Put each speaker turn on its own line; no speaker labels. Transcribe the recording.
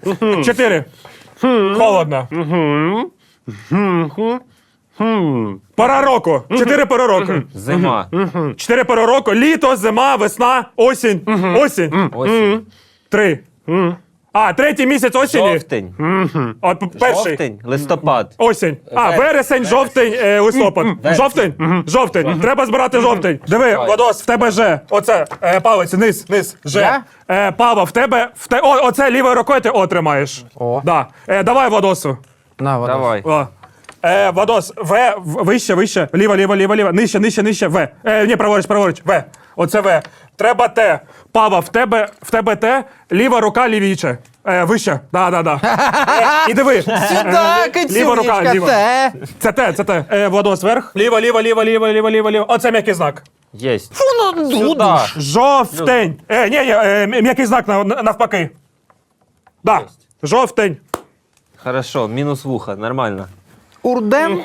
4. Холодно. Пора року. 4 пори року.
Зима.
4 пори року. Літо, зима, весна, осінь. Осінь.
Осінь.
3. Третій місяць осені.
Жовтень.
Перший.
Жовтень. Листопад.
Осінь. Вересень, жовтень, листопад. Жовтень? Жовтень. Треба збирати жовтень. Диви, Владос, в тебе Ж. Оце, палець, низ, Ж. Пава, в тебе, оце лівою рукою ти тримаєш.
О.
Да. Давай, Владосу.
На, Владос.
Давай.
Владос, вище, ліво, нижче, В. Ні, праворуч, В. Оце В. Треба Т. Пава, в тебе Т, ліва рука лівіче. Вище, да. І диви.
Сюда,
Ліва рука,
Катюнечка,
ліва.
те.
Це Т. Владос, вверх. Ліво. Оце м'який знак.
Єсть.
Сюда.
Жовтень. М'який знак навпаки. Да. Жовтень.
Хорошо, мінус вуха, нормально.
Урдем.